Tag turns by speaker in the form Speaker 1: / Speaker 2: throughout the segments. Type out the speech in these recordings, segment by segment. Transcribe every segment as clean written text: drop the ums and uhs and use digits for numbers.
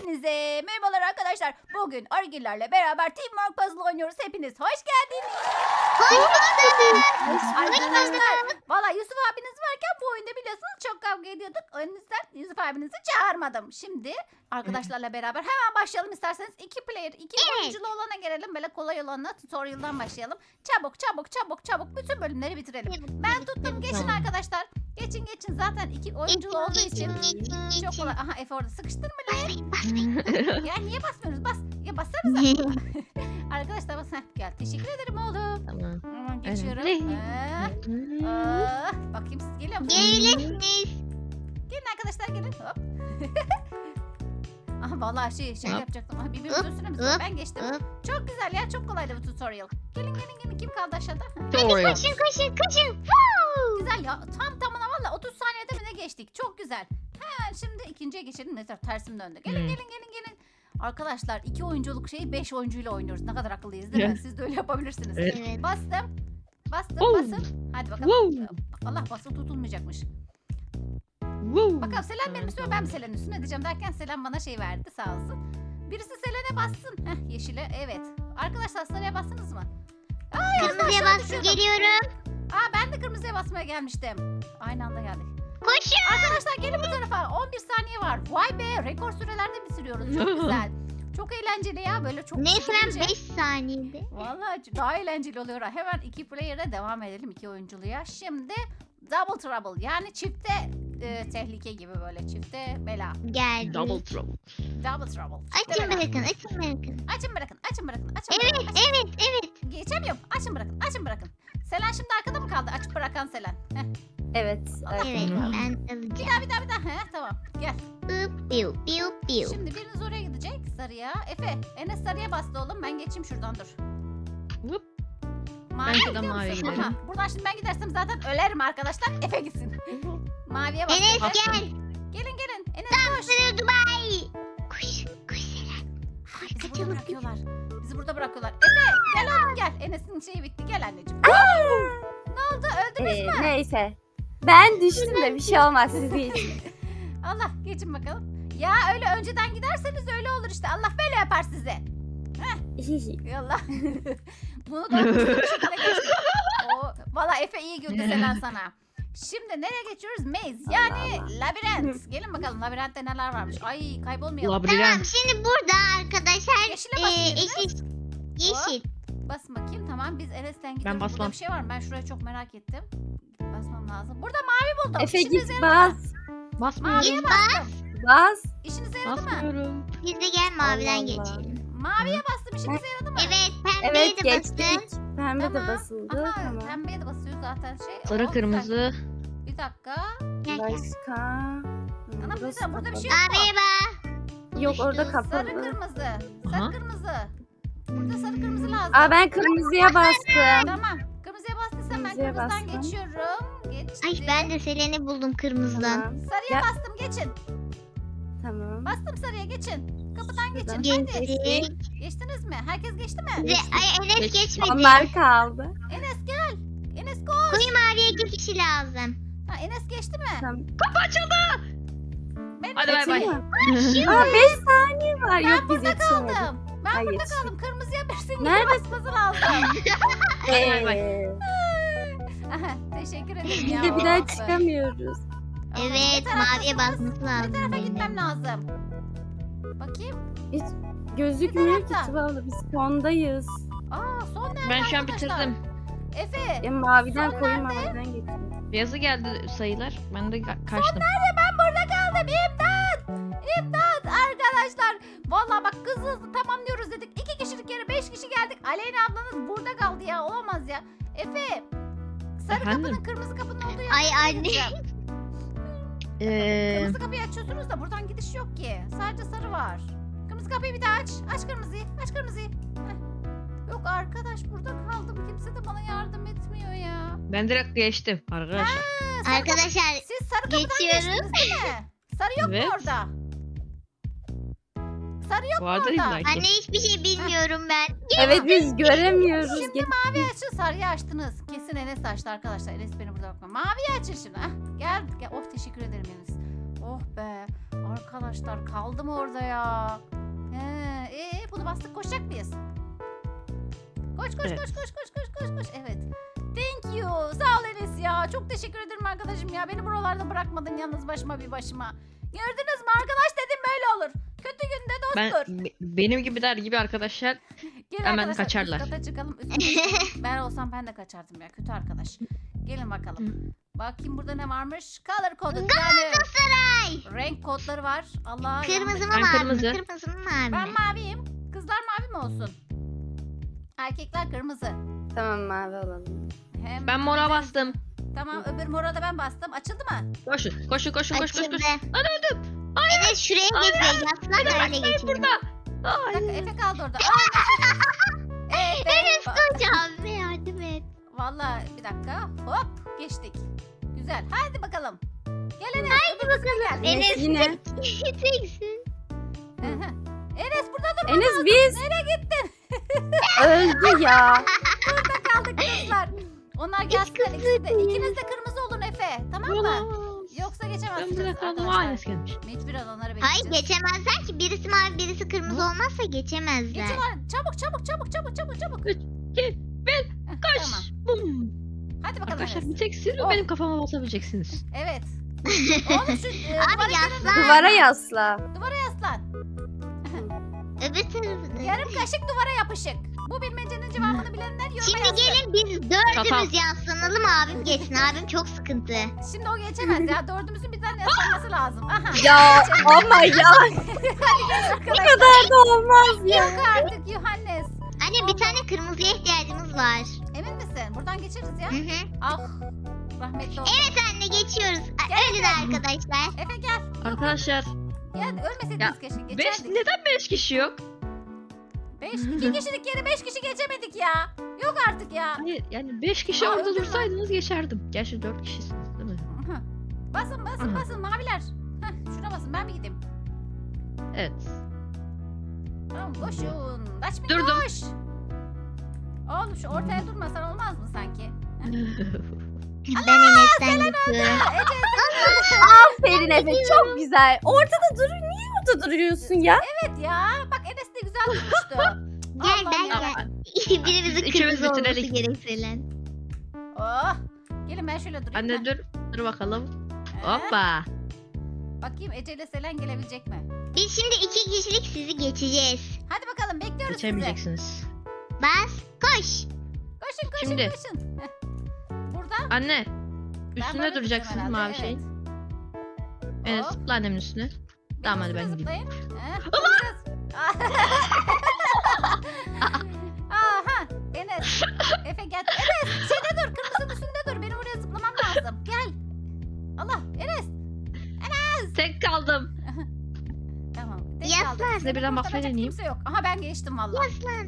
Speaker 1: Hepinize merhabalar arkadaşlar. Bugün Argillerle beraber Teamwork Puzzle oynuyoruz. Hepiniz hoş geldiniz. Arkadaşlar valla Yusuf abiniz varken bu oyunda biliyorsunuz çok kavga ediyorduk. O yüzden Yusuf abinizi çağırmadım. Şimdi arkadaşlarla beraber hemen başlayalım isterseniz. 2 player, 2 oyunculu olana gelelim. Böyle kolay olanla tutorial'dan başlayalım. Çabuk bütün bölümleri bitirelim. Ben tuttum, geçin arkadaşlar. Geçin zaten 2 oyunculu olduğu için çok kolay. Aha Efe orada sıkıştın mı lan? Ya niye basmıyoruz? Bas. Ya bassanıza. Arkadaşlar bas. Heh, gel. Teşekkür ederim oğlum.
Speaker 2: Tamam.
Speaker 1: Hemen geçiyorum. Bakayım siz geliyor musunuz?
Speaker 3: Gelirsiniz.
Speaker 1: Gelin arkadaşlar gelin. Hop. Aha vallahi şey
Speaker 2: Hop.
Speaker 1: yapacaktım. Aha birbirimizin üstüne mi?
Speaker 3: Hop.
Speaker 1: Ben geçtim. Çok güzel ya, çok kolaydı bu tutorial. Gelin. Kim kaldı aşağıda?
Speaker 2: Tutorial.
Speaker 3: Koşun.
Speaker 1: Güzel ya. Tam tamına valla 30 saniyede mi ne geçtik? Çok güzel. Hemen şimdi ikinciye geçelim. Mesela tersim döndü. Gelin. Arkadaşlar 2 oyunculuk şeyi 5 oyuncuyla oynuyoruz. Ne kadar akıllıyız değil mi? Siz de öyle yapabilirsiniz.
Speaker 2: Evet.
Speaker 3: Evet.
Speaker 1: Bastım.
Speaker 2: Oh.
Speaker 1: Basın. Hadi bakalım.
Speaker 2: Wow.
Speaker 1: Allah basılı tutulmayacakmış.
Speaker 2: Wow.
Speaker 1: Bakalım Selen benim üstüme, ben mi Selen'in üstüne diyeceğim derken Selen bana şey verdi, sağ olsun. Birisi Selen'e bassın. Heh, yeşile, evet. Arkadaşlar sarıya bastınız mı?
Speaker 3: Kırmızıya bastım, geliyorum.
Speaker 1: Ben de kırmızıya basmaya gelmiştim. Aynı anda geldik.
Speaker 3: Koşun.
Speaker 1: Arkadaşlar gelin bu tarafa. 11 saniye var. Vay be, rekor sürelerde bitiriyoruz. Çok güzel. Çok eğlenceli ya, böyle çok
Speaker 3: Neyse ben
Speaker 1: sıkıcı.
Speaker 3: 5 saniyede.
Speaker 1: Vallahi daha eğlenceli oluyor. Hemen 2 player'e devam edelim, 2 oyunculuğa. Şimdi double trouble, yani çifte tehlike gibi, böyle çifte bela.
Speaker 3: Geldi.
Speaker 2: Double trouble.
Speaker 1: Double trouble.
Speaker 3: Açın bırakın.
Speaker 1: Açın bırakın.
Speaker 3: Evet.
Speaker 1: Geçemiyorum. Açın bırakın. Selen şimdi arkada mı kaldı? Açıp bırakan Selen. Heh.
Speaker 4: Evet.
Speaker 3: Evet
Speaker 2: Hı.
Speaker 3: ben
Speaker 1: Bir
Speaker 3: alacağım.
Speaker 1: daha. Heh, tamam. Gel.
Speaker 3: Piu.
Speaker 1: Şimdi biriniz oraya gidecek. Sarıya. Efe. Enes sarıya bastı oğlum. Ben geçeyim şuradan, dur.
Speaker 2: Whoop.
Speaker 1: Maviye
Speaker 2: şuradan
Speaker 1: gidiyor
Speaker 2: maviye
Speaker 1: musun?
Speaker 2: giderim.
Speaker 1: Aha, buradan şimdi ben gidersem zaten ölerim arkadaşlar. Efe gitsin. Maviye bastı.
Speaker 3: Enes
Speaker 1: Efe.
Speaker 3: gel.
Speaker 1: Gelin. Enes koş.
Speaker 3: Sarı Dubai. Koş Selen.
Speaker 1: Bizi burada bırakıyorlar. Efe gel oğlum gel. Enes'in şeyi bitti. Gel anneciğim. Ne oldu? Öldünüz mü?
Speaker 4: Neyse. Ben düştüm de bir şey olmaz siz geçin.
Speaker 1: Allah, geçin bakalım. Ya öyle önceden giderseniz öyle olur işte. Allah böyle yapar size. Yallah. Bunu da bir şekilde geçtik. Valla Efe iyi güldü Selen sana. Şimdi nereye geçiyoruz? Maze, yani labirent. Gelin bakalım labirentte neler varmış. Ay kaybolmayalım.
Speaker 3: Tamam
Speaker 2: Labirent.
Speaker 3: şimdi burada arkadaşlar
Speaker 1: Yeşile basın
Speaker 3: yeşil.
Speaker 1: Basın bakayım, tamam biz Enes'ten gidiyoruz. Burada
Speaker 2: basmam.
Speaker 1: bir şey var mı? Ben şuraya çok merak ettim. Basmam lazım. Burada mavi buldum.
Speaker 4: Efe
Speaker 1: İşinize
Speaker 4: git
Speaker 1: yaradı mı?
Speaker 4: bas.
Speaker 2: Basmıyorum.
Speaker 1: Maviye bastım.
Speaker 4: Bas.
Speaker 1: İşinize yaradı mı?
Speaker 2: Basmıyorum.
Speaker 3: Biz de gel maviden
Speaker 4: Allah.
Speaker 3: geçelim.
Speaker 1: Maviye bastım, işinize yaradı mı?
Speaker 3: Evet pembeye
Speaker 4: Evet
Speaker 3: de bastın.
Speaker 4: geçtik. Pembe
Speaker 1: Tamam.
Speaker 4: de basıldı.
Speaker 1: Aha,
Speaker 4: Tamam.
Speaker 1: pembeye de basıyor zaten şey.
Speaker 2: Sarı
Speaker 1: Oh,
Speaker 2: kırmızı.
Speaker 1: Bir dakika.
Speaker 3: Gel.
Speaker 4: Başka.
Speaker 1: Ana
Speaker 4: Burası
Speaker 1: burada bir
Speaker 4: kapalı.
Speaker 1: şey yok mu?
Speaker 3: Maviye bak.
Speaker 4: Yok orada
Speaker 1: Sarı
Speaker 4: kapalı.
Speaker 1: kırmızı.
Speaker 2: Aha.
Speaker 1: Sarı kırmızı. Burada sarı kırmızı lazım.
Speaker 4: Aa ben kırmızıya bastım.
Speaker 1: Tamam. Kırmızıya bastıysam ben
Speaker 4: Kırmızıya
Speaker 1: kırmızıdan
Speaker 4: bastım.
Speaker 1: geçiyorum. Geçtim.
Speaker 3: Ay ben de Selen'i buldum kırmızıdan.
Speaker 4: Tamam.
Speaker 1: Sarıya
Speaker 4: Ya.
Speaker 1: bastım, geçin.
Speaker 4: Tamam.
Speaker 1: Bastım sarıya, geçin. Kapıdan geçin.
Speaker 4: Şuradan.
Speaker 1: Hadi.
Speaker 3: Geçtik.
Speaker 1: Geçtiniz mi? Herkes geçti mi?
Speaker 3: Ve ay Enes
Speaker 2: Geç.
Speaker 3: geçmedi.
Speaker 4: Onlar kaldı.
Speaker 1: Enes gel. Enes koş.
Speaker 3: Koyu maviye 2 kişi lazım.
Speaker 1: Ha, Enes geçti mi?
Speaker 4: Tamam.
Speaker 1: Ben
Speaker 2: Hadi bay bay.
Speaker 4: Aa 5 saniye var. Yok biz yetişemedik.
Speaker 1: kaldım. Ben
Speaker 4: Ay,
Speaker 1: burada
Speaker 4: yetiştik.
Speaker 1: kaldım. Kırmızıya birsin
Speaker 4: Nerede?
Speaker 1: basması lazım.
Speaker 2: Bay bay.
Speaker 1: Aha, teşekkür ederim
Speaker 4: Biz
Speaker 1: ya.
Speaker 4: de bir daha
Speaker 1: Oh be.
Speaker 4: çıkamıyoruz.
Speaker 1: Aha,
Speaker 3: Evet
Speaker 1: ne
Speaker 3: maviye
Speaker 1: taraftasınız?
Speaker 3: basması
Speaker 1: Ne
Speaker 3: lazım.
Speaker 1: tarafa
Speaker 3: benim.
Speaker 1: gitmem lazım? Bakayım.
Speaker 4: Hiç gözükmüyor
Speaker 1: Bir
Speaker 4: ki
Speaker 1: tarafta.
Speaker 4: Tuvalı. Biz sondayız.
Speaker 1: Son nerede
Speaker 2: Ben şu an
Speaker 1: arkadaşlar?
Speaker 2: bitirdim.
Speaker 1: Efe.
Speaker 4: Ya maviden
Speaker 1: Son
Speaker 4: koyu
Speaker 1: nerede?
Speaker 4: maviden geçiyor.
Speaker 2: Beyazı geldi sayılar. Ben de kaçtım.
Speaker 1: Ben burada kaldım. İmdat. Arkadaşlar. Vallahi bak hızlı tamamlıyoruz dedik. 2 kişilik yere 5 kişi geldik. Aleyna ablanız burada kaldı ya. Olamaz ya. Efe. Sarı
Speaker 2: Efendim?
Speaker 1: kapının kırmızı kapının olduğu yer.
Speaker 3: Ay anne.
Speaker 1: Kırmızı kapıyı açıyorsunuz da buradan gidiş yok ki. Sadece sarı var. Kırmızı kapıyı bir daha aç. Aç kırmızıyı. Heh. Yok arkadaş, burada kaldım. Kimse de bana yardım etmiyor ya.
Speaker 2: Ben direkt geçtim arkadaşlar.
Speaker 3: Arkadaşlar
Speaker 1: Siz sarı kapıdan
Speaker 3: Geçiyoruz.
Speaker 1: geçtiniz değil mi? Sarı yok mu
Speaker 2: Evet.
Speaker 1: orada? Sarı yok mu
Speaker 2: Vardır
Speaker 1: orada?
Speaker 2: illa ki.
Speaker 3: anne hiçbir şey bilmiyorum ben.
Speaker 4: Evet biz göremiyoruz.
Speaker 1: Şimdi mavi açın, sarıyı açtınız. Kesin Enes açtı arkadaşlar. Enes beni burada bakma. Maviyi açın şimdi. Gel. Oh teşekkür ederim Enes. Oh be. Arkadaşlar kaldım orada ya. Bunu bastık, koşacak mıyız? Koş koş
Speaker 2: Evet.
Speaker 1: koş koş koş koş koş koş. Evet. Thank you. Sağ ol Enes ya. Çok teşekkür ederim arkadaşım ya. Beni buralarda bırakmadın yalnız başıma bir başıma. Gördünüz mü, arkadaş dedim böyle olur. Kötü günde dosttur.
Speaker 2: Benim gibiler gibi arkadaşlar
Speaker 1: Gelin
Speaker 2: hemen
Speaker 1: arkadaşlar,
Speaker 2: kaçarlar.
Speaker 1: Üst kata çıkalım. Üst kata çıkalım. Ben olsam ben de kaçardım ya. Kötü arkadaş. Gelin bakalım. Bakayım burada ne varmış? Color kodu. Yani
Speaker 3: Galatasaray.
Speaker 1: renk kodları var. Allah.
Speaker 3: Kırmızı mı
Speaker 2: Ben
Speaker 3: mavi mi?
Speaker 2: kırmızı.
Speaker 3: Kırmızı mı mavi
Speaker 1: Ben
Speaker 3: mi?
Speaker 1: maviyim. Kızlar mavi mi olsun? Erkekler kırmızı.
Speaker 4: Tamam mavi olalım.
Speaker 1: Hem
Speaker 2: ben mora bastım.
Speaker 1: Tamam, öbür mora da ben bastım. Açıldı mı?
Speaker 2: Koşun koşun koşun koş koş
Speaker 3: Açıldı.
Speaker 2: koş. Lan öldüm.
Speaker 3: Evet şuraya geçelim. Yaslan öyle geçelim.
Speaker 2: Burada.
Speaker 1: Bir dakika,
Speaker 2: Ay.
Speaker 1: Efe kaldı orada. Efe.
Speaker 3: Enes hocam yardım et.
Speaker 1: Valla bir dakika. Hop geçtik. Güzel. Hadi bakalım. Gel Enes. Hadi bakalım. Gel.
Speaker 3: Enes
Speaker 4: yine.
Speaker 3: teksin.
Speaker 1: Hı hı. Enes burada dur.
Speaker 4: Enes biz.
Speaker 1: Nereye gittin?
Speaker 4: Öldü ya.
Speaker 1: Burada kaldık kızlar. Onlar gelsinler ikisi de. İkiniz de kırmızı olun Efe. Tamam mı? Yoksa
Speaker 2: Ben
Speaker 1: geçemezsiniz
Speaker 2: burada kaldım.
Speaker 1: arkadaşlar.
Speaker 2: Ailesi gelmiş.
Speaker 1: Mecburen onları
Speaker 3: Hayır
Speaker 1: bekleyeceğiz.
Speaker 3: geçemezler ki. Birisi mavi birisi kırmızı olmazsa geçemezler.
Speaker 1: Geçiyorlar. Çabuk çabuk çabuk çabuk çabuk çabuk.
Speaker 2: 3, 2, 1,
Speaker 1: Heh,
Speaker 2: koş.
Speaker 1: Tamam.
Speaker 2: Bum.
Speaker 1: Hadi bakalım
Speaker 2: Arkadaşlar
Speaker 1: Enes.
Speaker 2: bir tek siz mi
Speaker 1: Oh.
Speaker 2: benim kafama basabileceksiniz?
Speaker 1: Evet. Oğlum şu
Speaker 3: Abi yaslan.
Speaker 4: Duvara yasla.
Speaker 1: duvara yaslan.
Speaker 3: Öbür tarafını.
Speaker 1: Yarım kaşık duvara yapışık. Bu bilmecenin cevabını bilenler yoruma
Speaker 3: Şimdi
Speaker 1: yazsın.
Speaker 3: gelin biz
Speaker 2: Çatal.
Speaker 3: dördümüz yaslanalım abim geçsin. Abim çok sıkıntı.
Speaker 1: Şimdi o geçemez ya. Dördümüzün bir tane yaslanması lazım. Aha.
Speaker 4: Ya ama ya
Speaker 1: Hadi gel
Speaker 4: bu
Speaker 1: arkadaşlar.
Speaker 4: kadar da olmaz ya.
Speaker 1: Yok artık Yuhannes.
Speaker 3: Anne bir tane kırmızıya ihtiyacımız var.
Speaker 1: Emin misin? Buradan geçeriz ya.
Speaker 3: Hı hı.
Speaker 1: Ah. Rahmetli oldu.
Speaker 3: Evet anne geçiyoruz.
Speaker 1: Gel,
Speaker 3: Ölün
Speaker 1: gel.
Speaker 3: arkadaşlar.
Speaker 1: Efe gel.
Speaker 2: Arkadaşlar
Speaker 1: Gel ölmeseydiniz
Speaker 2: Ya,
Speaker 1: keşke.
Speaker 2: 5
Speaker 1: Geçerdik.
Speaker 2: neden 5 kişi yok?
Speaker 1: 2 kişilik yere 5 kişi geçemedik ya. Yok artık ya.
Speaker 2: Hayır yani 5 kişi
Speaker 1: Aa,
Speaker 2: orada
Speaker 1: öldüm ben.
Speaker 2: dursaydınız geçerdim. Gerçi 4 kişisiniz değil mi?
Speaker 1: Aha. Basın basın
Speaker 2: Aha.
Speaker 1: basın maviler. Heh, şuna basın, ben bir gideyim.
Speaker 2: Evet.
Speaker 1: Tamam koşun. Kaçmayın,
Speaker 2: Durdum.
Speaker 1: koş. Oğlum şu ortaya durmasan olmaz mı sanki?
Speaker 3: Ben Enes'ten geçiyorum.
Speaker 4: Aferin Efe çok güzel. Ortada dur. Niye orada duruyorsun ya?
Speaker 1: Evet ya. Bak Enes de güzel durmuştu.
Speaker 3: Gel
Speaker 1: Allah'ım
Speaker 3: ben
Speaker 1: ya.
Speaker 3: gel. Birimizin
Speaker 2: İkimiz
Speaker 3: kırmızı olması
Speaker 2: bitirelim.
Speaker 3: gereksilen.
Speaker 1: Oh. Gelin ben şöyle durayım.
Speaker 2: Anne
Speaker 1: Heh.
Speaker 2: dur. Dur bakalım.
Speaker 1: Heh.
Speaker 2: Hoppa.
Speaker 1: Bakayım Ece ile Selen gelebilecek mi?
Speaker 3: Biz şimdi 2 kişilik sizi geçeceğiz.
Speaker 1: Hadi bakalım bekliyoruz sizi.
Speaker 2: Geçemeyeceksiniz.
Speaker 3: Bas koş.
Speaker 1: Koşun koşun
Speaker 2: Şimdi.
Speaker 1: koşun. Heh. Burada.
Speaker 2: Anne.
Speaker 1: Ben
Speaker 2: Üstüne
Speaker 1: böyle
Speaker 2: duracaksınız
Speaker 1: duracağım
Speaker 2: mavi
Speaker 1: herhalde,
Speaker 2: şeyin.
Speaker 1: evet.
Speaker 2: Evet
Speaker 1: Hop.
Speaker 2: zıpla annemin üstüne. Tamam, hadi ben
Speaker 1: Üstüne
Speaker 2: gideyim.
Speaker 1: zıplayın. Heh, duracağız. Aha Enes. Efe gel. Enes şeyde dur, kırmızının üstünde dur. Benim oraya zıplamam lazım. Gel. Allah Enes.
Speaker 2: Tek kaldım.
Speaker 1: Tamam. tek
Speaker 3: Yaslan.
Speaker 1: kaldım.
Speaker 2: Size birden
Speaker 1: Seni
Speaker 2: bakmaya
Speaker 1: kurtaracak
Speaker 2: deneyeyim.
Speaker 1: Kimse yok. Aha ben geçtim valla.
Speaker 3: Yaslan.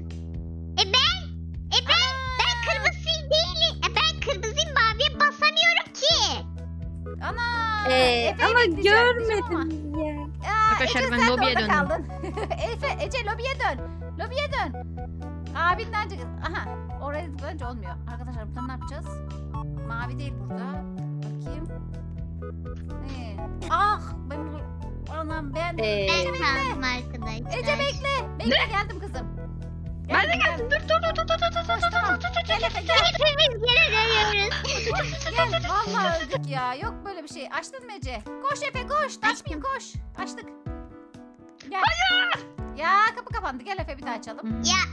Speaker 3: Ben kırmızı değilim. Ben kırmızıyım maviye basamıyorum ki.
Speaker 1: Ana. Efe'yi
Speaker 4: Ama
Speaker 1: bekleyeceğim diyeceğim ama.
Speaker 4: görmedim ya.
Speaker 1: Aa,
Speaker 2: Arkadaşlar,
Speaker 1: Ece,
Speaker 2: ben
Speaker 1: sen de
Speaker 2: lobiye
Speaker 1: orada
Speaker 2: döndüm.
Speaker 1: kaldın. Ece lobiye dön. Lobiye dön. Abinden çık. Aha. Oraya zıplayınca olmuyor. Arkadaşlar burada ne yapacağız? Mavi değil burada. Bakayım. Ah ben anam ben.
Speaker 3: Ben kaldım arkadaşlar.
Speaker 1: Ece bekle. Bekle geldim kızım.
Speaker 2: Ben de geldim. Dur dur dur dur dur dur dur
Speaker 1: Tamam.
Speaker 2: dur.
Speaker 1: Gel Efe gel.
Speaker 3: Hepimiz geri dönüyoruz.
Speaker 1: Gel. Vallahi öldük ya. Yok böyle bir şey. Açtın mı Ece? Koş Efe koş. Açmayayım koş. Açtık. Gel. Ya kapı kapandı. Gel Efe bir daha açalım.
Speaker 3: Ya.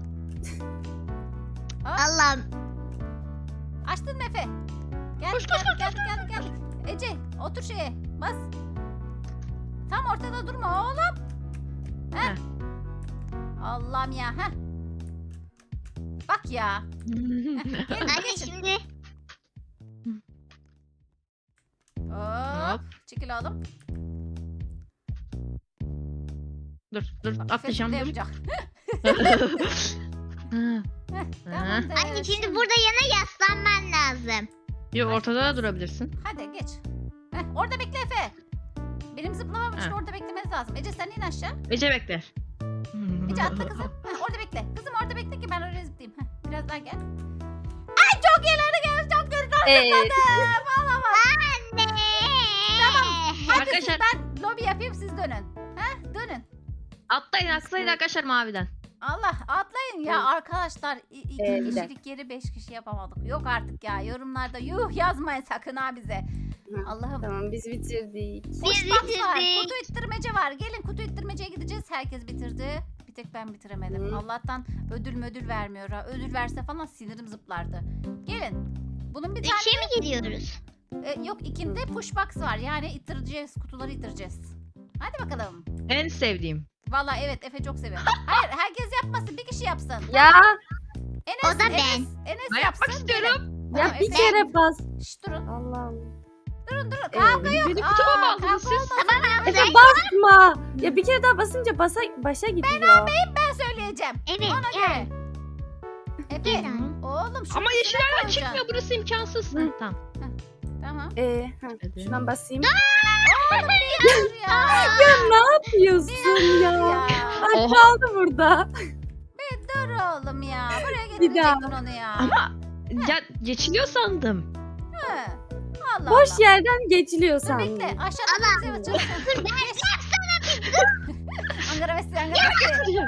Speaker 3: Allah'ım.
Speaker 1: Açtın mı Efe? Geldik geldik. Ece otur şeye bas. Tam ortada durma oğlum. Heh.
Speaker 2: Heh.
Speaker 1: Allah'ım ya. Heh. Bak ya. Gelin
Speaker 3: Anne
Speaker 1: geçin.
Speaker 3: şimdi
Speaker 1: Hop.
Speaker 2: Hop.
Speaker 1: Çekil oğlum.
Speaker 2: Dur dur
Speaker 1: Bak,
Speaker 2: atlayacağım
Speaker 1: Efe
Speaker 2: dur.
Speaker 1: yapacak.
Speaker 2: Ha.
Speaker 1: Heh,
Speaker 2: Ha.
Speaker 1: tamamdır.
Speaker 3: anne şimdi burada yana yaslanman lazım.
Speaker 2: Yok ortada da durabilirsin.
Speaker 1: Hadi geç. Heh, orada bekle Efe. Benim zıplamam için
Speaker 2: Ha.
Speaker 1: orada beklemeniz lazım. Ece sen in aşağı.
Speaker 2: Ece bekler.
Speaker 1: Ece atla kızım. Heh, orada bekle. Kızım orada bekle ki ben oraya zıplayayım. Heh, biraz daha gel. Ay çok ileri gel. Çok geri kaldım.
Speaker 4: Ee,
Speaker 1: Valla bak.
Speaker 3: Anne.
Speaker 1: Tamam. Hadi
Speaker 2: Arkadaşlar-
Speaker 1: ben lobi yapayım siz dönün. Dönün.
Speaker 2: Atlayın arkadaşlar maviden.
Speaker 1: Allah atlayın ya arkadaşlar. İki
Speaker 4: Evet.
Speaker 1: kişilik yeri 5 kişi yapamadık. Yok artık ya yorumlarda yuh yazmayın sakın ha bize.
Speaker 4: Hı,
Speaker 1: Allah'ım.
Speaker 4: Tamam biz bitirdik.
Speaker 1: Boş box var.
Speaker 3: bitirdik.
Speaker 1: Kutu ittirmece var. Gelin kutu ittirmeceye gideceğiz. Herkes bitirdi. Bir tek ben bitiremedim.
Speaker 4: Hı.
Speaker 1: Allah'tan ödül vermiyor ha. Ödül verse falan sinirim zıplardı. Gelin. Bunun bir tane
Speaker 3: 3'e mi gidiyoruz?
Speaker 1: yok ikinde push box var. Yani ittireceğiz. Kutuları ittireceğiz. Hadi bakalım.
Speaker 2: En sevdiğim.
Speaker 1: Valla evet Efe çok seviyor. Hayır herkes yapmasın. Bir kişi yapsın.
Speaker 4: Ya
Speaker 1: Enes,
Speaker 3: O da ben.
Speaker 1: Enes
Speaker 2: Ben
Speaker 1: yapsın.
Speaker 2: yapmak istiyorum.
Speaker 1: Gelin.
Speaker 4: ya
Speaker 1: Tamam,
Speaker 4: bir
Speaker 1: Efe.
Speaker 4: kere bas.
Speaker 1: Şşt, durun.
Speaker 4: Allah Allah.
Speaker 1: Durun. Kavga yok.
Speaker 2: Beni kutuma mı
Speaker 1: Aa,
Speaker 2: aldınız
Speaker 1: kavga
Speaker 2: siz?
Speaker 1: olmasın.
Speaker 4: Efe basma. Ya bir kere daha basınca başa gidiyor.
Speaker 1: Ben söyleyeceğim.
Speaker 3: Evet
Speaker 1: Ona
Speaker 3: gel.
Speaker 1: göre. Efe.
Speaker 3: Gel.
Speaker 1: Oğlum şu
Speaker 2: Ama
Speaker 1: üstüne
Speaker 2: yeşil hala
Speaker 1: koyacaksın.
Speaker 2: çıkmıyor. Burası imkansız.
Speaker 4: Hı.
Speaker 2: Tamam.
Speaker 1: Tamam.
Speaker 2: Hadi.
Speaker 4: Şuradan basayım.
Speaker 1: Oğlum bir dur ya.
Speaker 4: Ya ne yapıyorsun ya?
Speaker 1: Ya.
Speaker 4: Ay
Speaker 2: Oha.
Speaker 4: kaldı burada.
Speaker 1: Dur oğlum ya. Buraya
Speaker 4: Bir daha.
Speaker 1: getirecektin onu ya.
Speaker 2: Ama ya geçiliyor sandım.
Speaker 1: Hı. Allah
Speaker 4: Boş
Speaker 1: Allah.
Speaker 4: yerden geçiliyor
Speaker 1: Dur
Speaker 4: sandım.
Speaker 1: bekle. Aşağıda bize çalışsın. Angara Messi, Angara Messi.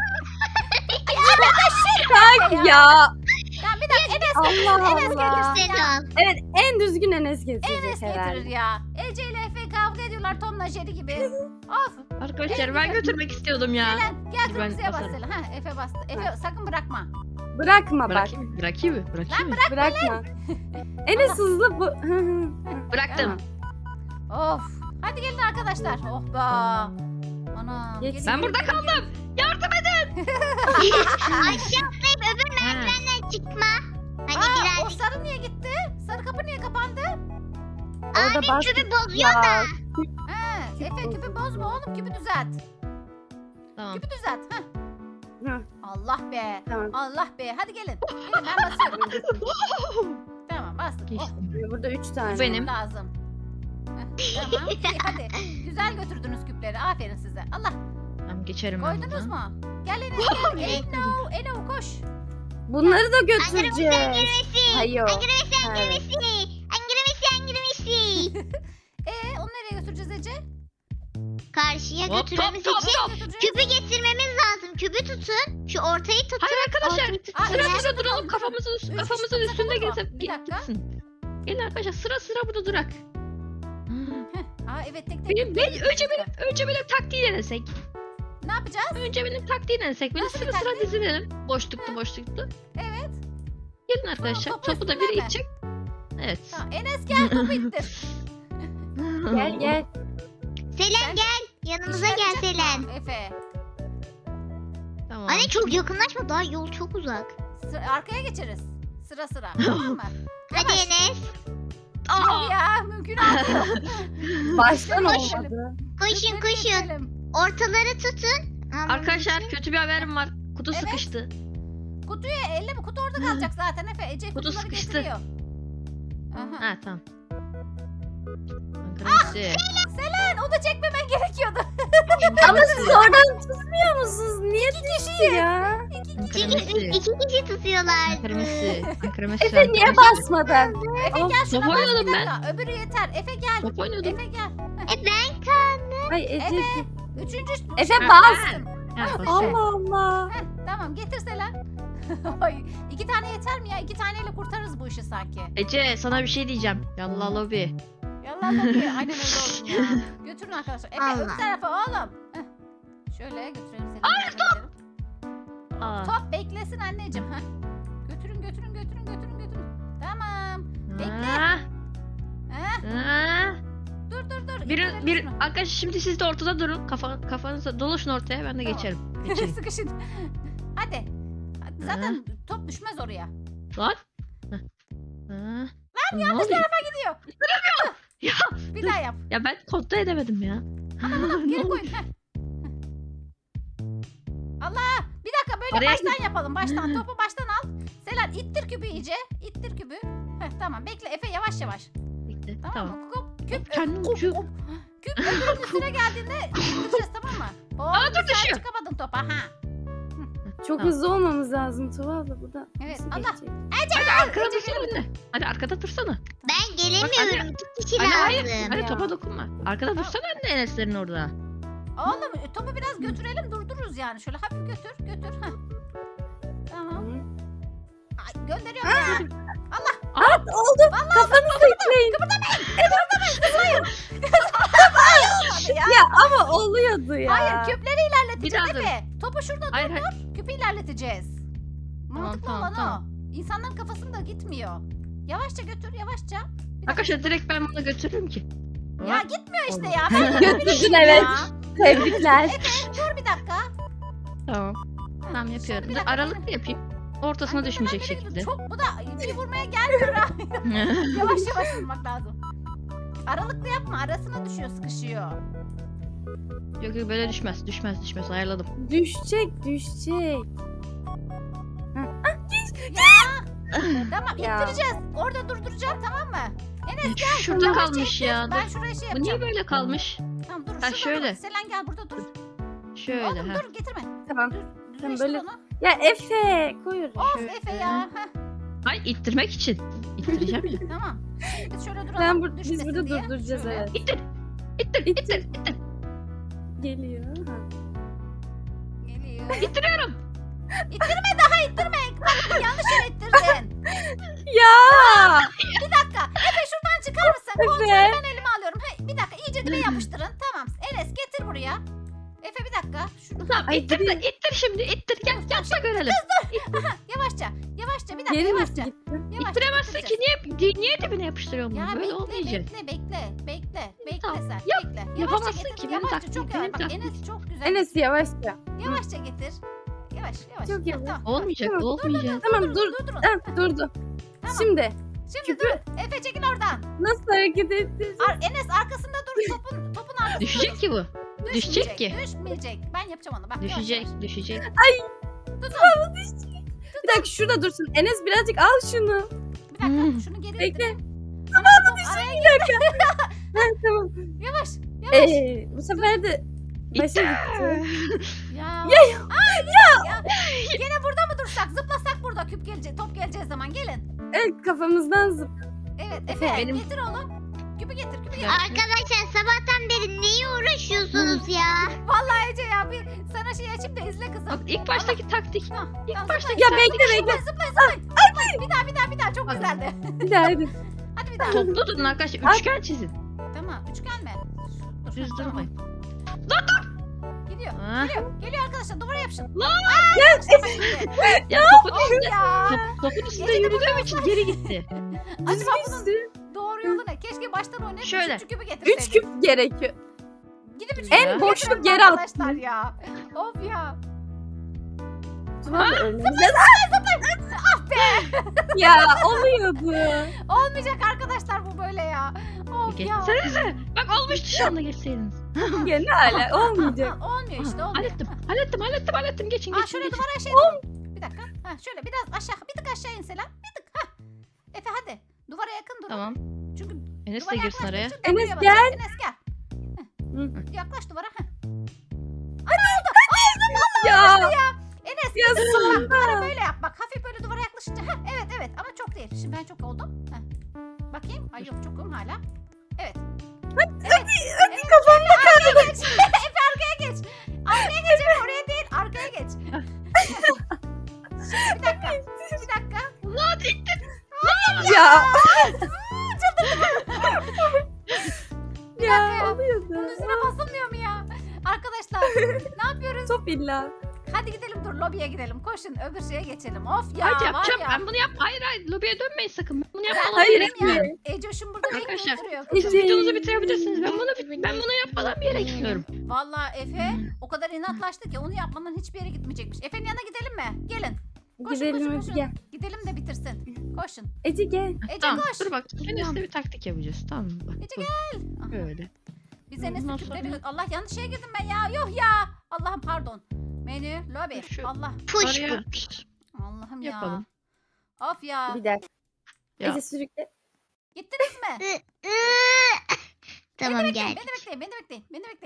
Speaker 4: Ya
Speaker 1: Tamam bir dakika Enes
Speaker 4: Allah
Speaker 1: Enes
Speaker 4: Allah.
Speaker 1: getirsin
Speaker 3: Sen
Speaker 1: ya.
Speaker 3: al.
Speaker 4: Evet en düzgün Enes getirecek
Speaker 1: Enes getirir
Speaker 4: herhalde.
Speaker 1: ya. Ece ile Efe kavga ediyorlar Tom'la Jerry gibi. Of.
Speaker 2: Arkadaşlar ben götürmek istiyordum ya.
Speaker 1: Selen gel
Speaker 2: Ben
Speaker 1: kırmızıya bas
Speaker 2: basarım.
Speaker 1: Selen. Ha Efe bastı. Efe sakın bırakma.
Speaker 4: Bırakma bak.
Speaker 2: Bırakayım mı?
Speaker 4: Bırakma. Enes hızlı bu.
Speaker 2: Bıraktım.
Speaker 1: Of. Hadi gelin arkadaşlar. Oh be. Ana.
Speaker 4: Geç.
Speaker 1: gelin,
Speaker 2: Ben
Speaker 1: gelin,
Speaker 2: burada
Speaker 1: gelin,
Speaker 2: kaldım.
Speaker 1: gelin.
Speaker 2: Yardım edin.
Speaker 3: Aşağı atlayıp öbür merdivenden çıkma. Hani
Speaker 1: Aa, o
Speaker 3: birazcık
Speaker 1: sarı niye gitti? Sarı kapı niye kapandı?
Speaker 4: Orada bas.
Speaker 3: kübü bozuyor
Speaker 4: Ya.
Speaker 3: da.
Speaker 1: Ha, Efe küpü bozma oğlum küpü düzelt.
Speaker 2: Tamam.
Speaker 1: Küpü düzelt. Heh.
Speaker 4: Hı,
Speaker 1: Allah be.
Speaker 4: Tamam.
Speaker 1: Allah be. Hadi gelin. Gelin ben basıyorum. Tamam bastım. Oh,
Speaker 2: Geçtim.
Speaker 4: Burada 3 tane.
Speaker 2: Benim.
Speaker 1: lazım. Heh, tamam. İyi, hadi. Güzel götürdünüz küpleri. Aferin size. Allah.
Speaker 2: Tamam geçerim ben
Speaker 1: Koydunuz
Speaker 2: buradan.
Speaker 1: mu? Gel Enes gel. Eno koş.
Speaker 4: Bunları da
Speaker 3: Angara
Speaker 4: götüreceğiz.
Speaker 3: Messi.
Speaker 4: Hayır.
Speaker 3: Angara Messi.
Speaker 4: Ha.
Speaker 3: Angara Messi. Angara Messi. Angara Messi.
Speaker 1: Onu nereye götüreceğiz Ece?
Speaker 3: Karşıya
Speaker 2: Hop,
Speaker 3: götürmemiz
Speaker 2: hop, hop,
Speaker 3: için
Speaker 2: hop.
Speaker 1: Götüreceğiz.
Speaker 3: kübü getirmemiz lazım. Kübü tutun. Şu ortayı tutun.
Speaker 2: Hayır arkadaşlar.
Speaker 3: Ortayı tutun.
Speaker 1: Aa,
Speaker 2: Sıra
Speaker 1: üç
Speaker 2: burada
Speaker 1: kişi
Speaker 2: duralım.
Speaker 1: tutalım.
Speaker 2: Kafamızın,
Speaker 1: Üç kişi
Speaker 2: kafamızın
Speaker 1: tutsak
Speaker 2: üstünde
Speaker 1: olur mu?
Speaker 2: gezip
Speaker 1: Bir dakika.
Speaker 2: gitsin. Gelin arkadaşlar sıra burada durak.
Speaker 1: Aa evet tek tek.
Speaker 2: Ben
Speaker 1: tek.
Speaker 2: önce benim taktiği denesek.
Speaker 1: Ne yapacağız?
Speaker 2: Önce benim taktiği denesek. Böyle
Speaker 1: Nasıl bir
Speaker 2: sıra
Speaker 1: taktik?
Speaker 2: dizilelim. Boşluktu.
Speaker 1: Evet.
Speaker 2: Gelin arkadaşlar.
Speaker 1: topu
Speaker 2: Topu da
Speaker 1: üstüne
Speaker 2: biri
Speaker 1: mi?
Speaker 2: itecek. Evet.
Speaker 1: Tamam. Enes gel topu ittir.
Speaker 4: Gel.
Speaker 3: Selen
Speaker 1: Sen-
Speaker 3: gel. Yanımıza
Speaker 1: İşe
Speaker 3: gel
Speaker 1: yarayacak mı?
Speaker 3: Selen.
Speaker 1: Efe.
Speaker 2: Tamam.
Speaker 3: Anne çok yakınlaşma. Daha yol çok uzak.
Speaker 1: Arkaya geçeriz. Sıra tamam mı?
Speaker 3: Hadi
Speaker 1: Yavaş.
Speaker 3: Enes.
Speaker 1: Yok ya mümkün değil.
Speaker 4: Baştan
Speaker 1: Koş.
Speaker 4: olmadı.
Speaker 3: Koşun koşun. Ortaları tutun. Aman
Speaker 2: Arkadaşlar kötü bir haberim var. Kutu
Speaker 1: Evet.
Speaker 2: sıkıştı.
Speaker 1: Kutuyu elle mi? Kutu orada kalacak zaten Efe. Ece
Speaker 2: Kutu
Speaker 1: kutuları
Speaker 2: sıkıştı.
Speaker 1: getiriyor. Aha.
Speaker 2: Ha tamam. Arkadaşlar.
Speaker 1: Selen o da çekmemen gerekiyordu.
Speaker 4: Ama siz oradan tutmuyor musunuz? Niye düştü ya?
Speaker 3: Çünkü iki kişi tutuyorlar.
Speaker 2: Ankara
Speaker 4: Efe niye basmadın?
Speaker 1: Efe
Speaker 4: Of,
Speaker 1: gel şuna
Speaker 2: top
Speaker 1: bas bir
Speaker 2: oynadım
Speaker 1: dakika. Öbürü yeter. Efe gel.
Speaker 2: Top oynuyordum.
Speaker 1: Efe gel.
Speaker 3: Ben kaldım.
Speaker 4: Ay Ece.
Speaker 1: Efe. Üçüncü.
Speaker 4: Efe
Speaker 1: şey-
Speaker 4: bas.
Speaker 2: Ha, boş ver.
Speaker 4: Allah Allah.
Speaker 1: Heh, tamam getir Selen. Ay, 2 tane yeter mi ya? 2 taneyle kurtarırız bu işi sanki.
Speaker 2: Ece sana bir şey diyeceğim. Yallah lobi.
Speaker 1: Yallah bakıyor. Aynen öyle olsun ya. Götürün arkadaşlar. Efe
Speaker 3: Allah.
Speaker 1: öbür tarafa oğlum. Heh. Şöyle götürelim seni. Hayır top.
Speaker 2: Aa.
Speaker 1: Top beklesin anneciğim. Heh. Götürün. Tamam. Bekle.
Speaker 2: Aa,
Speaker 1: Heh.
Speaker 2: aa.
Speaker 1: Dur.
Speaker 2: Bir
Speaker 1: İttirelim şunu.
Speaker 2: arkadaşlar şimdi siz de ortada durun. Kafanızda dolaşın ortaya ben de
Speaker 1: Tamam.
Speaker 2: geçerim. Geçeyim.
Speaker 1: Sıkışın. Hadi. Zaten top düşmez oraya.
Speaker 2: Lan. Lan
Speaker 1: Yanlış tarafa gidiyor.
Speaker 2: Ya.
Speaker 1: Bir daha yap.
Speaker 2: Ya ben kontrol edemedim ya.
Speaker 1: Geri koyun. Heh. Allah. Bir dakika böyle
Speaker 2: Oraya
Speaker 1: baştan yapalım. Baştan. Topu baştan al. Selen ittir küpü iyice. İttir küpü. Heh, tamam bekle Efe yavaş.
Speaker 2: Bekle,
Speaker 1: Tamam,
Speaker 2: tamam.
Speaker 1: mı? Küp
Speaker 2: Kendim
Speaker 1: küp,
Speaker 2: uçuyor.
Speaker 1: küp öbürünün üstüne geldiğinde ittireceğiz tamam mı? Oo,
Speaker 2: Aa, dur,
Speaker 1: sen
Speaker 2: düşüyor.
Speaker 1: çıkamadın topa ha.
Speaker 4: Çok
Speaker 2: Tamam.
Speaker 4: hızlı olmamız lazım Tuva abla bu da.
Speaker 1: Evet,
Speaker 4: nasıl
Speaker 1: Allah.
Speaker 4: geçecek?
Speaker 2: Hadi arkada dursana anne. Hadi arkada dursana.
Speaker 3: Ben gelemiyorum. İki kişi
Speaker 2: Anne hayır.
Speaker 3: lazım.
Speaker 2: Hadi
Speaker 1: Ya.
Speaker 2: topa dokunma. Arkada dursana anne Enes'lerin orada.
Speaker 1: Oğlum topu biraz götürelim durdururuz yani. Şöyle hafif götür götür. Heh. Tamam.
Speaker 4: Hı.
Speaker 1: Ay, gönderiyorum ya.
Speaker 4: Oldu. Kafanızı itmeyin.
Speaker 1: Olmadı ya.
Speaker 4: Ya ama oluyordu ya.
Speaker 1: Hayır küpleri ilerleteceğiz
Speaker 2: Bir daha dur.
Speaker 1: Efe. Topu şurada
Speaker 2: Hayır,
Speaker 1: dur. Küpü ilerleteceğiz. Mantıklı
Speaker 2: tamam,
Speaker 1: olan
Speaker 2: tamam.
Speaker 1: o. İnsanların kafasında gitmiyor. Yavaşça götür yavaşça. Bir dakika.
Speaker 2: Arkadaşlar direkt ben bunu götürürüm ki.
Speaker 1: Ya gitmiyor işte ya.
Speaker 4: Götürdün evet. Tebrikler.
Speaker 1: Dur bir dakika.
Speaker 2: Tamam. Tamam
Speaker 1: Şöyle
Speaker 2: yapıyorum.
Speaker 1: bir
Speaker 2: Dur,
Speaker 1: dakika.
Speaker 2: aralıklı yapayım. Ortasına
Speaker 1: Ay,
Speaker 2: düşmeyecek
Speaker 1: nereye
Speaker 2: şekilde.
Speaker 1: gidiyor? Çok bu da bir vurmaya gelmiyor ha. Yavaş yavaş vurmak lazım. Aralıklı yapma. Arasına düşüyor, sıkışıyor.
Speaker 2: Yok yok böyle düşmez. Düşmez. Ayarladım.
Speaker 4: Düşecek.
Speaker 1: Tamam,
Speaker 4: Ya.
Speaker 1: ittireceğiz. Orada durduracağım, tamam mı?
Speaker 2: Şurada
Speaker 1: Yavaş
Speaker 2: kalmış
Speaker 1: çekeceğiz.
Speaker 2: ya.
Speaker 1: Ben
Speaker 2: Dur.
Speaker 1: şuraya şey
Speaker 2: Bu niye
Speaker 1: yapacağım.
Speaker 2: böyle kalmış?
Speaker 1: Tamam dur.
Speaker 2: Ha,
Speaker 1: şurada
Speaker 2: şöyle.
Speaker 1: dur. Selen gel burada dur.
Speaker 2: Şöyle
Speaker 1: Oğlum
Speaker 2: ha.
Speaker 1: dur getirme.
Speaker 4: Tamam.
Speaker 1: Düzleştir
Speaker 4: böyle-
Speaker 1: onu.
Speaker 4: Ya Efe koy oraya.
Speaker 1: Of
Speaker 2: Şöyle.
Speaker 1: Efe ya. Heh,
Speaker 2: Ay ittirmek için. İttireceğim ya.
Speaker 1: tamam. Şimdi biz şöyle duralım.
Speaker 4: Biz
Speaker 1: düşmesin
Speaker 4: burada
Speaker 1: diye.
Speaker 4: durduracağız
Speaker 1: Şöyle.
Speaker 4: evet.
Speaker 2: İttir.
Speaker 4: İttir. Geliyor. Ha.
Speaker 1: Geliyor.
Speaker 2: İttiriyorum.
Speaker 1: İttirme daha ittirme. Bak, yanlış yere ittirdin.
Speaker 4: Ya.
Speaker 1: Bir dakika. Efe şuradan çıkar mısın? Kontrolü
Speaker 4: Efe.
Speaker 1: ben elime alıyorum. Hey, bir dakika iyice dibe yapıştırın. Tamam. Enes getir buraya. Efe bir dakika. Şunu
Speaker 2: Tamam
Speaker 4: Ay,
Speaker 2: ittir de ittir şimdi. İttir gel yap da görelim.
Speaker 1: yavaşça. Yavaşça bir dakika
Speaker 4: Geri
Speaker 1: yavaşça.
Speaker 4: nasıl gitti?
Speaker 1: Yavaşça
Speaker 2: İttiremezsin ki
Speaker 1: ittireceğiz.
Speaker 2: niye dibine yapıştırıyorum
Speaker 1: Ya
Speaker 2: bunu? Böyle
Speaker 1: bekle,
Speaker 2: olmayacak.
Speaker 1: bekle
Speaker 2: Tamam,
Speaker 1: sen,
Speaker 2: yap.
Speaker 1: bekle. Yavaşça
Speaker 2: Yapamazsın
Speaker 1: getir,
Speaker 2: ki, benim
Speaker 1: yavaşça,
Speaker 2: taktiğim,
Speaker 1: çok yavaş.
Speaker 2: benim
Speaker 1: Bak
Speaker 2: taktiğim.
Speaker 1: Enes çok güzel.
Speaker 4: Enes yavaşça.
Speaker 1: Yavaşça getir. Yavaş.
Speaker 4: Çok
Speaker 1: Heh,
Speaker 4: yavaş.
Speaker 1: Tamam.
Speaker 2: Olmayacak,
Speaker 4: Tamam,
Speaker 2: olmayacak.
Speaker 4: Tamam dur.
Speaker 1: Durun.
Speaker 4: Ha, durdu.
Speaker 1: Tamam.
Speaker 4: Şimdi
Speaker 1: Şimdi dur. Efe çekil oradan.
Speaker 4: nasıl hareket ettireceğiz?
Speaker 1: Enes arkasında dur. Topun arkasında
Speaker 2: Düşecek
Speaker 1: dur.
Speaker 2: ki bu. Düşecek ki.
Speaker 1: Düşmeyecek. Ben yapacağım onu. Bak, yavaş
Speaker 2: Düşecek,
Speaker 1: yavaş.
Speaker 2: düşecek.
Speaker 1: Tutun.
Speaker 4: Bir dakika şurada dursun. Enes birazcık al şunu.
Speaker 1: Bir dakika.
Speaker 2: Hmm.
Speaker 1: Şunu geri
Speaker 4: Bekle.
Speaker 1: ittir. Tamam araya
Speaker 4: Ha, tamam.
Speaker 1: yavaş. Yavaş.
Speaker 4: Bu sefer de başa gitti.
Speaker 1: Ya.
Speaker 4: Ya.
Speaker 1: Ya. Gene burada mı dursak? Zıplasak burada küp gelecek. Top geleceği zaman gelin.
Speaker 4: Evet kafamızdan zıp.
Speaker 1: Evet Efe
Speaker 2: Benim-
Speaker 1: getir oğlum. Küpü getir.
Speaker 3: Arkadaşlar sabahtan beri neye uğraşıyorsunuz ya?
Speaker 1: Vallahi Ece ya bir sana şey açayım da izle kızım.
Speaker 2: Bak ilk baştaki taktik.
Speaker 1: Tamam,
Speaker 2: İlk
Speaker 1: tamam,
Speaker 2: baştaki
Speaker 4: Ya
Speaker 2: taktik.
Speaker 4: bekle bekle.
Speaker 1: Zıplayın. Bir daha çok
Speaker 2: Bak.
Speaker 1: güzeldi.
Speaker 4: Bir daha hadi.
Speaker 1: Hadi bir daha.
Speaker 2: Toplu durun arkadaşlar. Üçgen çizin.
Speaker 1: Tamam üçgen mi? Dur,
Speaker 2: Düz
Speaker 1: tamam.
Speaker 2: durmayın.
Speaker 1: Gidiyor.
Speaker 2: Ha.
Speaker 1: Geliyor arkadaşlar duvara yapışın.
Speaker 2: Lan!
Speaker 1: Gel.
Speaker 2: Ya topun
Speaker 1: Of
Speaker 2: üstünde,
Speaker 1: ya.
Speaker 2: topun üstünde
Speaker 1: Gece de
Speaker 2: yürüdüğüm için geri gitti.
Speaker 1: Acaba bunun
Speaker 4: Düzgün.
Speaker 1: doğru yolu ne? Keşke baştan oynayıp
Speaker 2: Şöyle.
Speaker 1: 3. küpü getirseydik.
Speaker 4: 3 küp gerekiyor.
Speaker 1: Gidip 3.
Speaker 2: En
Speaker 1: küpü
Speaker 4: boşluk
Speaker 1: getirelim
Speaker 4: yere attın.
Speaker 1: arkadaşlar ya. Of ya.
Speaker 4: Tamam önümüzde. Ya oluyordu.
Speaker 1: Olmayacak arkadaşlar bu böyle ya. Of ya.
Speaker 2: Geçsenize. Bak olmuştu şu anda geçseydiniz.
Speaker 4: Gene hala olmayacak.
Speaker 1: Ha, olmuyor işte olmuyor.
Speaker 2: Hallettim. Geçin.
Speaker 1: Aa şöyle
Speaker 2: geçin.
Speaker 1: duvara şey yapalım. Bir dakika. Ha şöyle biraz aşağı, bir tık aşağı inseler. Bir tık. Ha. Efe hadi. Duvara yakın dur.
Speaker 2: Tamam.
Speaker 1: Çünkü
Speaker 2: Enes de
Speaker 1: duvara
Speaker 2: girsin araya.
Speaker 1: yaklaştıkça
Speaker 4: Enes
Speaker 1: buraya basacak.
Speaker 4: gel.
Speaker 1: Enes gel.
Speaker 4: Hı.
Speaker 1: Yaklaş duvara. Ha.
Speaker 4: Ya.
Speaker 1: Enes
Speaker 4: Ya
Speaker 1: bak,
Speaker 4: sonunda.
Speaker 1: duvara böyle yap. Bak hafif böyle duvara yaklaşınca. Ha, evet ama çok değil. Şimdi ben çok oldum. Ha. Bakayım. Ay yok çokum hala. Evet. Hadi
Speaker 4: kafamda
Speaker 1: kaldı. Efe arkaya geç. Arkaya geç Efe oraya değil. Arkaya geç. Şimdi bir dakika. Bir dakika.
Speaker 2: Lan ittir.
Speaker 4: Ya.
Speaker 1: Bir dakika ya.
Speaker 4: Oluyordu.
Speaker 1: Bunun üstüne basılmıyor mu ya? Arkadaşlar ne yapıyoruz?
Speaker 4: Top illa.
Speaker 1: Hadi gidelim dur lobiye gidelim. Koşun öbür şeye geçelim. Of ya
Speaker 2: Hadi yapacağım.
Speaker 1: var ya.
Speaker 2: Ben bunu yap. Hayır. Lobiye dönmeyin sakın. Ben bunu yapmadan
Speaker 4: Hayır,
Speaker 2: bir yere
Speaker 1: Benim ya.
Speaker 2: gitmiyorum.
Speaker 1: Ecoş'um burada
Speaker 2: Arkadaşlar,
Speaker 1: bekliyor.
Speaker 2: Siz videonuzu bitirebilirsiniz. Ben bunu yapmadan bir yere gitmiyorum.
Speaker 1: Vallahi Efe o kadar inatlaştı ki onu yapmadan hiçbir yere gitmeyecekmiş. Efe'nin yanına gidelim mi? Gelin. Koşun,
Speaker 4: Gidelim
Speaker 1: koşun,
Speaker 4: hadi
Speaker 1: koşun.
Speaker 4: gel.
Speaker 1: Gidelim de bitirsin. Koşun.
Speaker 4: Ece gel.
Speaker 1: Ece
Speaker 2: Tamam.
Speaker 1: koş.
Speaker 2: Dur bak. Enes'le bir taktik yapacağız. Tamam mı? Bak,
Speaker 1: Ece
Speaker 2: dur.
Speaker 1: Aha.
Speaker 2: Böyle.
Speaker 1: Biz Enes'in
Speaker 2: Ondan
Speaker 1: küpleri...
Speaker 2: sonra-
Speaker 1: Allah yanlış şeye girdim ben ya. Yuh ya. Allah'ım pardon. Menü, lobi.
Speaker 2: Şu-
Speaker 1: Allah.
Speaker 3: Push
Speaker 2: Araya
Speaker 3: push.
Speaker 1: Allah'ım ya.
Speaker 2: yapalım.
Speaker 1: Of ya.
Speaker 4: Bir dakika.
Speaker 2: Ya.
Speaker 4: Ece sürükle.
Speaker 1: Gittiniz mi?
Speaker 3: Tamam
Speaker 1: Beni
Speaker 3: gel.
Speaker 1: bekleyin, beni bekleyin, beni bekleyin, beni bekleyin.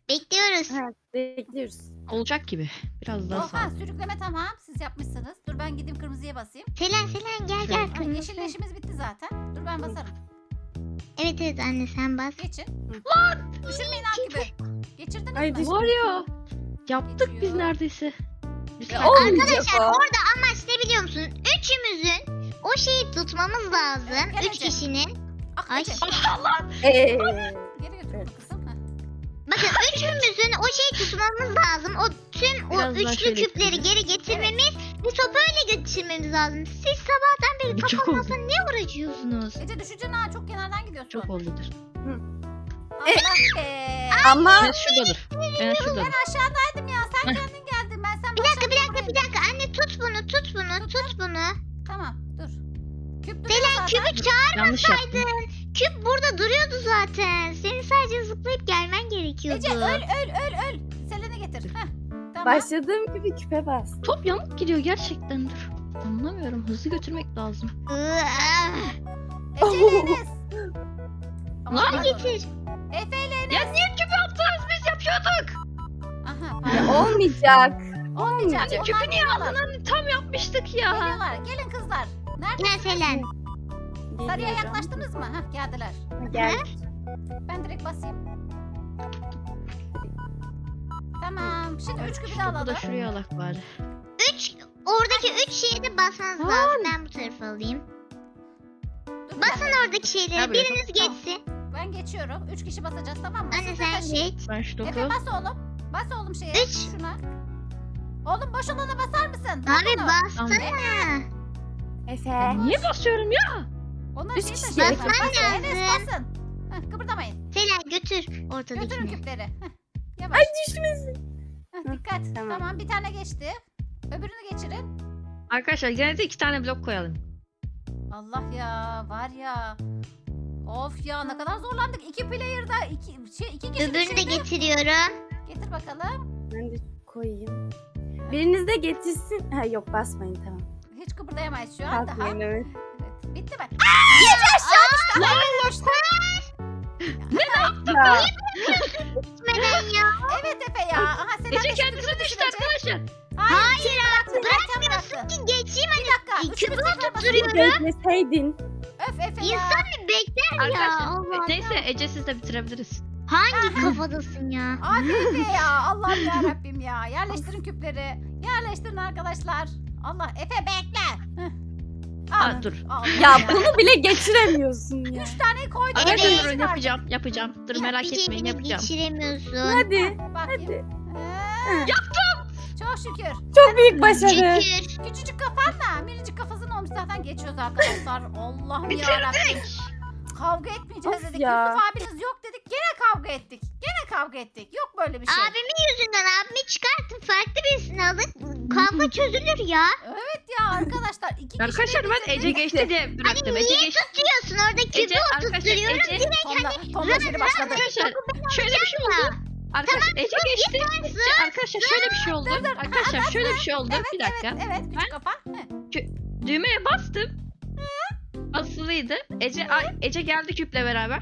Speaker 3: Bekliyoruz.
Speaker 4: Evet, bekliyoruz.
Speaker 2: Olacak gibi. Biraz daha sağ.
Speaker 1: Oha sürükleme tamam. Siz yapmışsınız. Dur ben gideyim kırmızıya basayım.
Speaker 3: Selen gel gel.
Speaker 1: Ay, yeşil leşimiz bitti zaten. Dur ben basarım.
Speaker 3: Evet anne sen bas.
Speaker 1: Geçin. Düşürmeyin gibi. Geçirdiniz
Speaker 4: Ay,
Speaker 1: mi?
Speaker 4: düş-
Speaker 2: Var ya. Yaptık biz
Speaker 1: Geçiyor.
Speaker 2: neredeyse. Bir
Speaker 4: Ya,
Speaker 2: saniye.
Speaker 4: olmayacak
Speaker 3: Arkadaşlar
Speaker 4: o.
Speaker 3: orada amaç ne biliyor musun? Üçümüzün o şeyi tutmamız lazım.
Speaker 1: Gel
Speaker 3: Üç
Speaker 1: Ece.
Speaker 3: kişinin.
Speaker 1: Ah,
Speaker 3: Ay.
Speaker 1: Ece.
Speaker 4: Ee,
Speaker 1: Geri götür bunu kızım. Heh.
Speaker 3: Bakın üçümüzün o şeyi tutmamız lazım. O tüm o
Speaker 2: Biraz daha
Speaker 3: üçlü
Speaker 2: şöyle
Speaker 3: küpleri
Speaker 2: ittireceğiz.
Speaker 3: geri getirmemiz ve sopayla götürmemiz lazım. Siz sabahtan beri
Speaker 2: Bu çok
Speaker 3: kafa ne uğraşıyorsunuz?
Speaker 1: Ece düşeceksin ha. Çok kenardan gidiyorsun.
Speaker 2: Çok oldudur.
Speaker 1: Allah be.
Speaker 4: ama
Speaker 2: Enes şuradadır. Enes şuradadır.
Speaker 1: Ben aşağıdaydım ya. Sen kendin geldin. Ben sen
Speaker 3: Bir dakika
Speaker 1: başladın buraya.
Speaker 3: anne tut bunu.
Speaker 1: Tamam dur. Küp duruyor
Speaker 3: Selen
Speaker 1: zaten.
Speaker 3: küpü çağır.
Speaker 2: Yanlış yaptım.
Speaker 3: Küp burada duruyordu zaten. Senin sadece zıplayıp gelmen gerekiyordu.
Speaker 1: Ece öl. Selen'i getir. Heh. Tamam.
Speaker 4: başladığım gibi küpe bas.
Speaker 2: Top yamuk gidiyor gerçekten dur. Anlamıyorum. Hızlı götürmek lazım.
Speaker 1: Ece ile Enes. Aman
Speaker 3: Var
Speaker 1: pardon.
Speaker 3: getir.
Speaker 1: Efe ile Enes.
Speaker 2: Ya niye küpü attınız? Biz yapıyorduk.
Speaker 1: Aha
Speaker 4: Ya,
Speaker 1: pardon.
Speaker 4: olmayacak.
Speaker 1: Olmayacak.
Speaker 2: Hadi
Speaker 1: Onlar
Speaker 2: küpü niye
Speaker 1: geliyorlar.
Speaker 2: aldın? Hani tam yapmıştık ya.
Speaker 1: Geliyorlar. Gelin kızlar. Nerede?
Speaker 3: Gel Selen.
Speaker 1: Sarıya
Speaker 4: Geliyorum.
Speaker 1: yaklaştınız mı? Hah geldiler.
Speaker 4: Gel.
Speaker 1: Ben direkt basayım. Tamam. Şimdi 3 küpü de
Speaker 2: Topu
Speaker 1: alalım.
Speaker 2: da şuraya alak bari.
Speaker 3: Oradaki üç şeye de basmanız lazım. Ben bu tarafa alayım.
Speaker 1: Dur, bir
Speaker 3: Basın
Speaker 1: dakika.
Speaker 3: oradaki şeyleri.
Speaker 2: Gel buraya.
Speaker 3: Biriniz geçsin.
Speaker 1: Ben geçiyorum. 3 kişi basacağız tamam mı?
Speaker 3: Anne
Speaker 1: Siz de
Speaker 3: sen
Speaker 1: taşıyın.
Speaker 3: geç.
Speaker 2: Ben şu
Speaker 1: Efe
Speaker 2: topu.
Speaker 1: bas oğlum. Bas oğlum şeye.
Speaker 3: Üç.
Speaker 1: Şuna. Oğlum boş olana basar mısın?
Speaker 3: Abi
Speaker 1: Bas onu.
Speaker 3: bassana.
Speaker 4: Efe.
Speaker 2: Niye basıyorum ya?
Speaker 1: Onlar
Speaker 4: Üç
Speaker 1: şeyi
Speaker 4: kişi
Speaker 1: taşıyacaklar.
Speaker 3: basman
Speaker 1: Basın, Enes
Speaker 3: lazım.
Speaker 1: basın. Heh, kıpırdamayın.
Speaker 3: Selen götür
Speaker 1: Götürün
Speaker 3: ortadakini.
Speaker 1: küpleri. Heh, yavaş.
Speaker 4: Ay düşmesin.
Speaker 1: Heh, dikkat.
Speaker 4: Tamam.
Speaker 1: Tamam bir tane geçti. Öbürünü geçirin.
Speaker 2: Arkadaşlar gene de 2 tane blok koyalım.
Speaker 1: Allah ya var ya. Of ya ne kadar zorlandık. 2 player'da 2 kişi
Speaker 3: Öbürünü de
Speaker 1: düşürdü.
Speaker 3: getiriyorum.
Speaker 1: Getir bakalım.
Speaker 4: Ben de koyayım. Biriniz de getirsin. Ha yok basmayın tamam.
Speaker 1: Hiç kıpırdayamayız şu an daha.
Speaker 4: Kalkmayın evet.
Speaker 1: Evet. Bitti mi? Gece aşağı düştü. Hayır düştü.
Speaker 4: Ya,
Speaker 3: Gitmeden ya.
Speaker 1: Evet Efe ya. Aha Selen
Speaker 2: Ece
Speaker 1: de
Speaker 2: kendisi
Speaker 1: şimdi
Speaker 2: düştü
Speaker 1: düşürecek.
Speaker 2: arkadaşlar.
Speaker 1: Hayır bıraktı.
Speaker 3: Bırakmıyorsun ki geçeyim.
Speaker 1: Bir dakika.
Speaker 3: Küpü
Speaker 1: üçümüz tekrar
Speaker 3: tutturuyorum.
Speaker 1: basıyoruz.
Speaker 4: bekleseydin.
Speaker 1: Öf Efe ya.
Speaker 3: İnsan bir bekler ya.
Speaker 2: Arkadaşlar
Speaker 3: Allah
Speaker 2: neyse Ece siz de bitirebiliriz.
Speaker 3: Hangi kafadasın ya?
Speaker 1: Abi Efe ya. Allah'ım ya Rabbim ya. Yerleştirin küpleri. Yerleştirin arkadaşlar. Allah Efe bekle. Heh. Al.
Speaker 2: Aa, dur.
Speaker 1: Al
Speaker 4: Ya bunu bile geçiremiyorsun ya.
Speaker 1: 3 tane koydum.
Speaker 2: Arkadaşlar
Speaker 3: Evet.
Speaker 2: durun yapacağım. Dur merak
Speaker 3: Bir
Speaker 2: etmeyin
Speaker 3: şeyini
Speaker 2: yapacağım.
Speaker 3: geçiremiyorsun.
Speaker 4: Hadi.
Speaker 1: Bakayım.
Speaker 4: Hadi.
Speaker 1: Çok şükür.
Speaker 4: Çok büyük başarı.
Speaker 3: Şükür.
Speaker 1: Küçücük kafanla minicik kafasının olmuş zaten geçiyoruz arkadaşlar. Allah'ım
Speaker 2: Bitirdik.
Speaker 1: yarabbim. Kavga etmeyeceğiz
Speaker 4: Of
Speaker 1: dedik.
Speaker 4: ya.
Speaker 1: Yusuf abiniz yok dedik. Gene kavga ettik. Gene kavga ettik. Yok böyle bir şey.
Speaker 3: Abimin yüzünden abimi çıkartın farklı birisini alın. Kavga çözülür ya.
Speaker 1: Evet ya arkadaşlar. 2 kişi
Speaker 2: Arkadaşlar ben Ece geçti diye bıraktım.
Speaker 3: Hani
Speaker 2: Ece
Speaker 3: niye
Speaker 2: geçti.
Speaker 3: tutuyorsun orada küpü
Speaker 2: Ece arkadaşlar
Speaker 3: oturtuyorum.
Speaker 2: Ece.
Speaker 1: Tonla seni başladı.
Speaker 2: Arkadaşlar şöyle bir şey oldu. Arkadaşlar Ece geçti. Arkadaşlar şöyle bir şey oldu. Arkadaşlar şöyle bir şey oldu.
Speaker 1: Evet,
Speaker 2: Bir dakika.
Speaker 1: Evet küçük kafa. Heh.
Speaker 2: Düğmeye bastım. Basılıydı. Ece geldi küple beraber.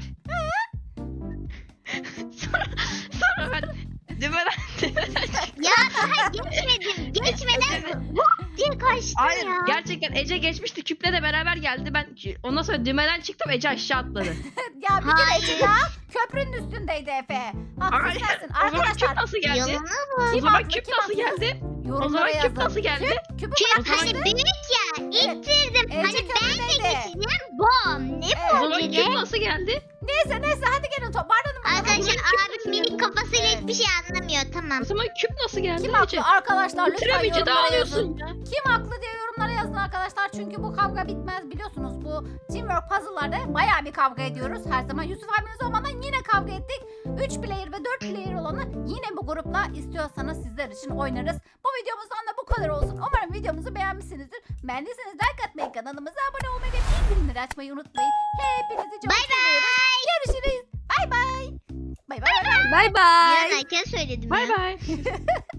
Speaker 2: sonra ben düğmeden
Speaker 3: Ya daha geçmeden diye kaçtın
Speaker 2: Hayır
Speaker 3: ya.
Speaker 2: gerçekten Ece geçmişti küple de beraber geldi. Ben ondan sonra düğmeden çıktım Ece aşağı atladı.
Speaker 1: Ya bir kere Ece ya köprünün üstündeydi Efe. Haksız
Speaker 2: Hayır.
Speaker 1: sensin.
Speaker 2: O zaman küp
Speaker 1: Arkadaşlar
Speaker 2: nasıl geldi?
Speaker 3: Yalanı
Speaker 2: O
Speaker 1: kim
Speaker 2: zaman
Speaker 1: haklı,
Speaker 2: küp
Speaker 1: kim
Speaker 2: nasıl
Speaker 1: haksız?
Speaker 2: geldi? O
Speaker 1: Yorumlara
Speaker 2: zaman küp
Speaker 1: yazın.
Speaker 2: nasıl geldi?
Speaker 1: Küpü
Speaker 3: Küp
Speaker 1: bırak
Speaker 3: hani
Speaker 1: işte.
Speaker 3: büyük ya. İttirdim.
Speaker 1: Ece
Speaker 3: Hani ben de
Speaker 1: köprüdeydi.
Speaker 3: geçeceğim. Bom. Ne
Speaker 1: Evet.
Speaker 2: O
Speaker 3: bu
Speaker 2: zaman
Speaker 3: Ece?
Speaker 2: küp nasıl geldi?
Speaker 1: Neyse hadi gelin toparlanın. bakalım.
Speaker 3: Arkadaşlar
Speaker 2: Bunun
Speaker 3: abim minik kafasıyla
Speaker 1: Evet.
Speaker 3: hiçbir şey anlamıyor. Tamam.
Speaker 2: O zaman küp nasıl geldi
Speaker 1: Kim
Speaker 2: Ece?
Speaker 1: haklı arkadaşlar lütfen
Speaker 2: Bitiremeyince
Speaker 1: yorumlara yazın.
Speaker 2: dağılıyorsun ya.
Speaker 1: Kim haklı diye yorumlara yazın arkadaşlar. Çünkü bu kavga bitmez biliyorsunuz. Bu Teamwork puzzle'larda bayağı bir kavga ediyoruz. Her zaman Yusuf abiniz olmadan yine kavga ettik. 3 player ve 4 player olanı yine bu grupla istiyorsanız sizler için oynarız. Bu videomuzdan da bu kadar olsun. Umarım videomuzu beğenmişsinizdir. Beğendiyseniz like atmayı, kanalımıza abone olmayı ve bildirimleri açmayı unutmayın. Hepinizi çok seviyoruz. Görüşürüz. Bay bay. Bay bay.
Speaker 4: Bay bay.
Speaker 3: Bir an erken söyledim
Speaker 2: Bay
Speaker 3: ya.
Speaker 2: bay.